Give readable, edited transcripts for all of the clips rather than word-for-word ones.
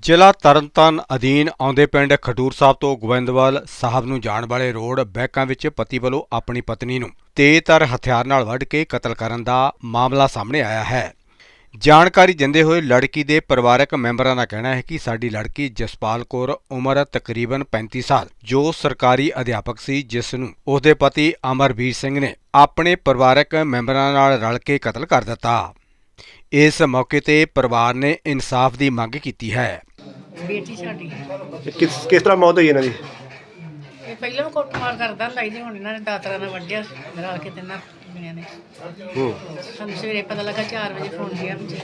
ਜ਼ਿਲ੍ਹਾ ਤਰਨਤਾਰਨ ਅਧੀਨ ਆਉਂਦੇ ਪਿੰਡ ਖਡੂਰ ਸਾਹਿਬ ਤੋਂ ਗੋਬਿੰਦਵਾਲ ਸਾਹਿਬ ਨੂੰ ਜਾਣ ਵਾਲੇ ਰੋਡ ਬੈਕਾਂ ਵਿੱਚ ਪਤੀ ਵੱਲੋਂ ਆਪਣੀ ਪਤਨੀ ਨੂੰ ਤੇਜ਼ਧਾਰ ਹਥਿਆਰ ਨਾਲ ਵੱਢ ਕੇ ਕਤਲ ਕਰਨ ਦਾ ਮਾਮਲਾ ਸਾਹਮਣੇ ਆਇਆ ਹੈ। ਜਾਣਕਾਰੀ ਦਿੰਦੇ ਹੋਏ ਲੜਕੀ ਦੇ ਪਰਿਵਾਰਕ ਮੈਂਬਰਾਂ ਦਾ ਕਹਿਣਾ ਹੈ ਕਿ ਸਾਡੀ ਲੜਕੀ ਜਸਪਾਲ ਕੌਰ ਉਮਰ ਤਕਰੀਬਨ 35 ਸਾਲ ਜੋ ਸਰਕਾਰੀ ਅਧਿਆਪਕ ਸੀ, ਜਿਸ ਨੂੰ ਉਸਦੇ ਪਤੀ ਅਮਰਵੀਰ ਸਿੰਘ ਨੇ ਆਪਣੇ ਪਰਿਵਾਰਕ ਮੈਂਬਰਾਂ ਨਾਲ ਰਲ ਕੇ ਕਤਲ ਕਰ ਦਿੱਤਾ। ਇਸ ਮੌਕੇ ਤੇ ਪਰਿਵਾਰ ਨੇ ਇਨਸਾਫ ਦੀ ਮੰਗ ਕੀਤੀ ਹੈ। ਬੇਟੀ ਸਾਡੀ ਕਿਸ ਤਰ੍ਹਾਂ ਮੌਤ ਹੋਈ ਇਹਨਾਂ ਦੀ? ਇਹ ਪਹਿਲਾਂ ਵੀ ਕੁੱਟਮਾਰ ਕਰਦਾ ਹੁੰਦਾ ਸੀ, ਹੁਣ ਇਹਨਾਂ ਨੇ ਦਾਤਰਾ ਨਾਲ ਵੱਢਿਆ ਰਲ ਕੇ ਤਿੰਨਾਂ ਜਣਿਆਂ ਨੇ। ਸਾਨੂੰ ਸਵੇਰੇ ਪਤਾ ਲੱਗਾ 4 ਵਜੇ ਫੋਨ ਗਿਆ ਵੀ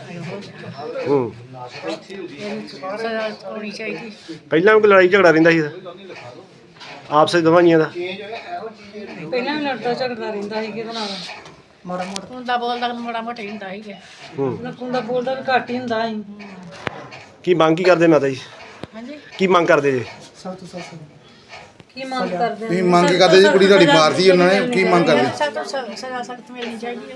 ਇਹਨੂੰ ਸਜ਼ਾ ਹੋਣੀ ਚਾਹੀਦੀ। ਪਹਿਲਾਂ ਵੀ ਕੋਈ ਲੜਾਈ ਝਗੜਾ ਰਹਿੰਦਾ ਸੀ ਆਪਸ ਵਿੱਚ ਦੋਵਾਂ ਜੀਆਂ ਦਾ? ਪਹਿਲਾਂ ਵੀ ਲੜਦਾ ਝਗੜਦਾ ਰਹਿੰਦਾ ਸੀ ਕਿਹਦੇ ਨਾਲ, ਮਾੜਾ ਮੋਟਾ ਹੁੰਦਾ ਬੋਲਦਾ ਮਾੜਾ ਮੋਟਾ ਹੀ ਹੁੰਦਾ ਸੀਗਾ। ਹੁੰਦਾ ਬੋਲਦਾ ਵੀ ਘੱਟ ਹੀ ਹੁੰਦਾ ਸੀ। ਕੀ ਮੰਗ ਕੀ ਕਰਦੇ ਮਾਤਾ ਜੀ? ਹਾਂਜੀ, ਕੀ ਮੰਗ ਕਰਦੇ ਜੀ? ਕੀ ਮੰਗ ਕਰਦੇ ਕੀ ਮੰਗ ਕਰਦੇ ਜੀ? ਕੁੜੀ ਤੁਹਾਡੀ ਮਾਰਤੀ ਉਹਨਾਂ ਨੇ, ਕੀ ਮੰਗ ਕਰਦੇ? ਸਖਤ ਤੋਂ ਸਜ਼ਾ ਸਖਤ ਮਿਲਣੀ ਚਾਹੀਦੀ ਹੈ।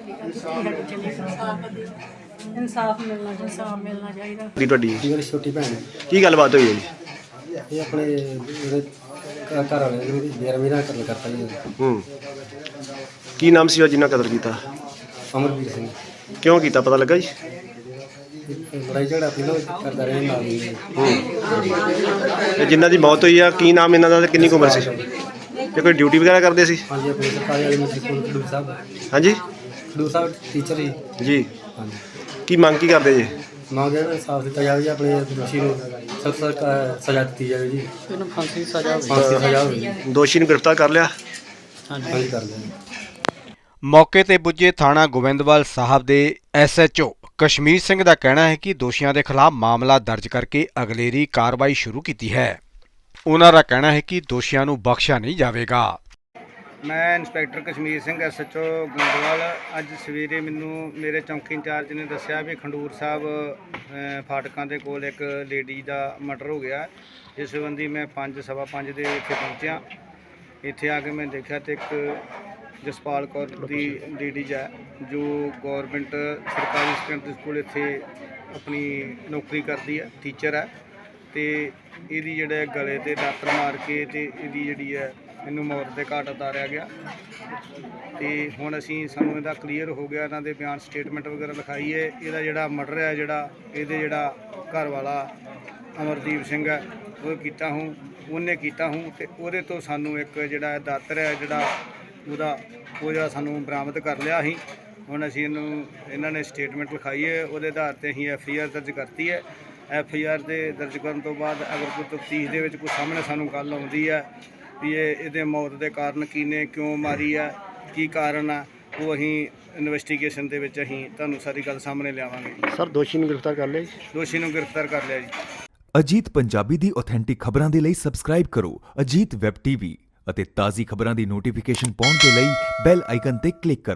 ਇਨਸਾਫ ਮਿਲਣਾ ਚਾਹੀਦਾ। ਇਨਸਾਫ ਮਿਲਣਾ ਚਾਹੀਦਾ। ਕੀ ਤੁਹਾਡੀ ਮੇਰੀ ਛੋਟੀ ਭੈਣ ਹੈ। ਕੀ ਗੱਲਬਾਤ ਹੋਈ ਹੈ ਜੀ? ਇਹ ਆਪਣੇ ਜਿਹੜੇ ਘਰ ਵਾਲੇ ਨੂੰ ਦੇਰ ਮੇਰਾ ਕਤਲ ਕਰਤਾ ਜੀ। ਕੀ ਨਾਮ ਸੀ ਉਹ ਜਿਨ੍ਹਾਂ ਕਤਲ ਕੀਤਾ? ਅਮਰਵੀਰ ਸਿੰਘ। ਕਿਉਂ ਕੀਤਾ ਪਤਾ ਲੱਗਾ ਜੀ? ਲੜਾਈ ਝਗੜਾ ਪਹਿਲਾਂ ਕਰਦਾ ਰਿਹਾ ਨਾਲ ਹੀ। ਤੇ ਜਿਨ੍ਹਾਂ ਦੀ ਮੌਤ ਹੋਈ ਆ ਕੀ ਨਾਮ ਇਹਨਾਂ ਦਾ ਤੇ ਕਿੰਨੀ ਕੁ ਉਮਰ ਸੀ? ਤੇ ਕੋਈ ਡਿਊਟੀ ਵਗੈਰਾ ਕਰਦੇ ਸੀ? ਹਾਂਜੀ, ਆਪਣੇ ਸਰਕਾਰੀ ਵਾਲੇ ਮਿਸਟਰ ਕੋਲ ਖਡੂਰ ਸਾਹਿਬ। ਹਾਂਜੀ ਖਡੂਰ ਸਾਹਿਬ ਟੀਚਰ ਹੀ। ਜੀ। ਹਾਂਜੀ, ਕੀ ਮੰਗ ਕੀ ਕਰਦੇ ਜੀ? ਮੰਗ ਇਹਨਾਂ ਇਨਸਾਫ ਦਿੱਤਾ ਜਾਵੇ ਜੀ, ਆਪਣੇ ਦੋਸ਼ੀ ਨੂੰ ਸਖਤ ਸਜ਼ਾ ਦਿੱਤੀ ਜਾਵੇ ਜੀ। ਇਹਨੂੰ ਫਾਂਸੀ ਸਜ਼ਾ ਹੋਵੇ ਜੀ। ਦੋਸ਼ੀ ਨੂੰ ਗ੍ਰਿਫਤਾਰ ਕਰ ਲਿਆ? ਹਾਂਜੀ, ਕਰ ਲਿਆ ਜੀ। ਮੌਕੇ ਤੇ ਪੁੱਜੇ ਥਾਣਾ ਗੋਬਿੰਦਵਾਲ ਸਾਹਿਬ ਦੇ SHO ਕਸ਼ਮੀਰ ਸਿੰਘ ਦਾ ਕਹਿਣਾ ਹੈ ਕਿ ਦੋਸ਼ੀਆਂ ਦੇ ਖਿਲਾਫ ਮਾਮਲਾ ਦਰਜ ਕਰਕੇ ਅਗਲੇਰੀ ਕਾਰਵਾਈ ਸ਼ੁਰੂ ਕੀਤੀ ਹੈ। ਉਹਨਾਂ ਦਾ ਕਹਿਣਾ ਹੈ ਕਿ ਦੋਸ਼ੀਆਂ ਨੂੰ ਬਖਸ਼ਿਆ ਨਹੀਂ ਜਾਵੇਗਾ। ਮੈਂ ਇੰਸਪੈਕਟਰ ਕਸ਼ਮੀਰ ਸਿੰਘ SHO ਗੋਬਿੰਦਵਾਲ। ਅੱਜ ਸਵੇਰੇ ਮੈਨੂੰ ਮੇਰੇ ਚੌਂਕੀ ਇੰਚਾਰਜ ਨੇ ਦੱਸਿਆ ਵੀ ਖਡੂਰ ਸਾਹਿਬ ਫਾਟਕਾਂ ਦੇ ਕੋਲ ਇੱਕ ਲੇਡੀ ਦਾ ਮਰਡਰ ਹੋ ਗਿਆ। ਇਸ ਸੰਬੰਧੀ ਮੈਂ 5:15 ਦੇ ਇੱਥੇ ਪਹੁੰਚਿਆ। ਇੱਥੇ ਆ ਕੇ ਮੈਂ ਦੇਖਿਆ ਤੇ ਇੱਕ ਜਸਪਾਲ ਕੌਰ ਦੀ ਲੇਡੀਜ਼ ਹੈ ਜੋ ਗੌਰਮੈਂਟ ਸਰਕਾਰੀ ਸੈਕੰਡਰੀ ਸਕੂਲ ਇੱਥੇ ਆਪਣੀ ਨੌਕਰੀ ਕਰਦੀ ਹੈ, ਟੀਚਰ ਹੈ। ਤੇ ਇਹਦੀ ਜਿਹੜੇ ਗਲੇ 'ਤੇ ਦਾਤਰ ਮਾਰ ਕੇ ਤੇ ਇਹਦੀ ਜਿਹੜੀ ਹੈ ਇਹਨੂੰ ਮੌਤ ਦੇ ਘਾਟ ਉਤਾਰਿਆ ਗਿਆ। ਤੇ ਹੁਣ ਸਾਨੂੰ ਇਹਦਾ ਕਲੀਅਰ ਹੋ ਗਿਆ, ਇਹਨਾਂ ਦੇ ਬਿਆਨ ਸਟੇਟਮੈਂਟ ਵਗੈਰਾ ਲਿਖਾਈ ਹੈ। ਇਹਦਾ ਜਿਹੜਾ ਮਰਡਰ ਹੈ ਇਹਦੇ ਜਿਹੜਾ ਘਰ ਵਾਲਾ ਅਮਰਦੀਪ ਸਿੰਘ ਹੈ ਉਹਨੇ ਕੀਤਾ ਹੂੰ ਤੇ ਉਹਦੇ ਤੋਂ ਸਾਨੂੰ ਇੱਕ ਜਿਹੜਾ ਦਾਤਰ ਹੈ ਉਹਦਾ ਸਾਨੂੰ ਬਰਾਮਦ ਕਰ ਲਿਆ ਸੀ। ਹੁਣ ਇਹਨਾਂ ਨੇ ਸਟੇਟਮੈਂਟ ਲਿਖਾਈ ਹੈ, ਉਹਦੇ ਆਧਾਰ 'ਤੇ ਅਸੀਂ FIR ਦਰਜ ਕਰਤੀ ਹੈ। FIR ਦੇ ਦਰਜ ਕਰਨ ਤੋਂ ਬਾਅਦ ਅਗਰ ਕੋਈ ਤਫਤੀਸ਼ ਦੇ ਵਿੱਚ ਕੋਈ ਸਾਹਮਣੇ ਸਾਨੂੰ ਗੱਲ ਆਉਂਦੀ ਹੈ ਵੀ ਇਹਦੇ ਮੌਤ ਦੇ ਕਾਰਨ ਕੀ ਨੇ, ਕਿਉਂ ਮਾਰੀ ਹੈ, ਕੀ ਕਾਰਨ ਆ, ਉਹ ਅਸੀਂ ਇਨਵੈਸਟੀਗੇਸ਼ਨ ਦੇ ਵਿੱਚ ਅਸੀਂ ਤੁਹਾਨੂੰ ਸਾਰੀ ਗੱਲ ਸਾਹਮਣੇ ਲਿਆਵਾਂਗੇ। ਸਰ ਦੋਸ਼ੀ ਨੂੰ ਗ੍ਰਿਫਤਾਰ ਕਰ ਲਿਆ ਜੀ? ਦੋਸ਼ੀ ਨੂੰ ਗ੍ਰਿਫਤਾਰ ਕਰ ਲਿਆ ਜੀ। ਅਜੀਤ ਪੰਜਾਬੀ ਦੀ ਆਥੈਂਟਿਕ ਖਬਰਾਂ ਦੇ ਲਈ ਸਬਸਕ੍ਰਾਈਬ ਕਰੋ ਅਜੀਤ ਵੈਬ TV ਅਤੇ ਤਾਜ਼ੀ ਖਬਰਾਂ ਦੀ ਨੋਟੀਫਿਕੇਸ਼ਨ ਪਾਉਣ ਦੇ ਲਈ ਬੈਲ ਆਈਕਨ ਤੇ ਕਲਿੱਕ ਕਰੋ।